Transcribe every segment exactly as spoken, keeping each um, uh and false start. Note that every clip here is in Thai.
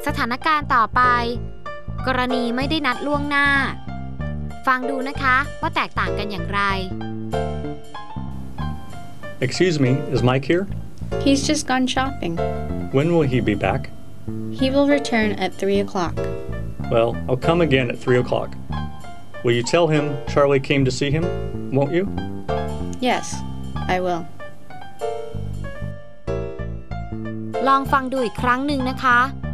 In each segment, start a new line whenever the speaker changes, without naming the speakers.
สถานการณ์ต่อไปกรณีไม่ได้นัดล่วงหน้าฟังดูนะคะว่าแตกต่างกันอย่างไร
Excuse me, is Mike here?
He's just gone shopping.
When will he be back?
He will return at three o'clock.
Well, I'll come again at three o'clock. Will you tell him Charlie came to see him, won't you?
Yes, I will.
ลองฟังดูอีกครั้งหนึ่งนะคะ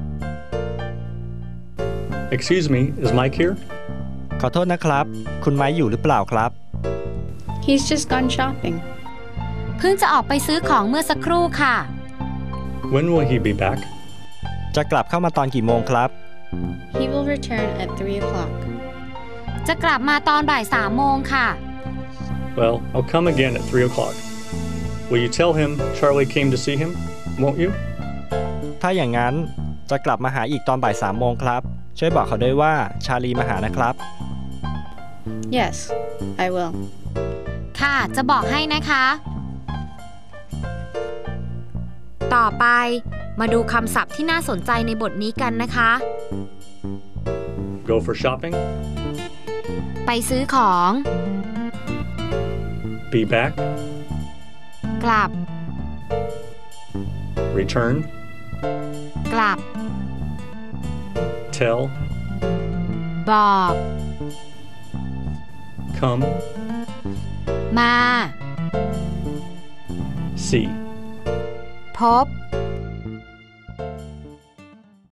Excuse me, is Mike here?
ขอโทษนะครับคุณไม้อยู่หรือเปล่าครับ
He's just gone shopping.
เพิ่งจะออกไปซื้อของเมื่อสักครู่ค่ะ
When will he be back?
จะกลับเข้ามาตอนกี่โมงครับ
He will return at three o'clock.
จะกลับมาตอนบ่ายสามโมงค่ะ
Well, I'll come again at three o'clock. Will you tell him Charlie came to see him, won't you?
ถ้าอย่างนั้นจะกลับมาหาอีกตอนบ่ายสามโมงครับช่วยบอกเขาด้วยว่าชาลีมาหานะครับ
Yes, I will.
ค่ะจะบอกให้นะคะ ต่อไปมาดูคำศัพท์ที่น่าสนใจในบทนี้กันนะคะ
Go for shopping.
ไปซื้อของ
Be back.
กลับ
Return.
กลับ
Tell.
บอก
Come.
มา
See.
พบ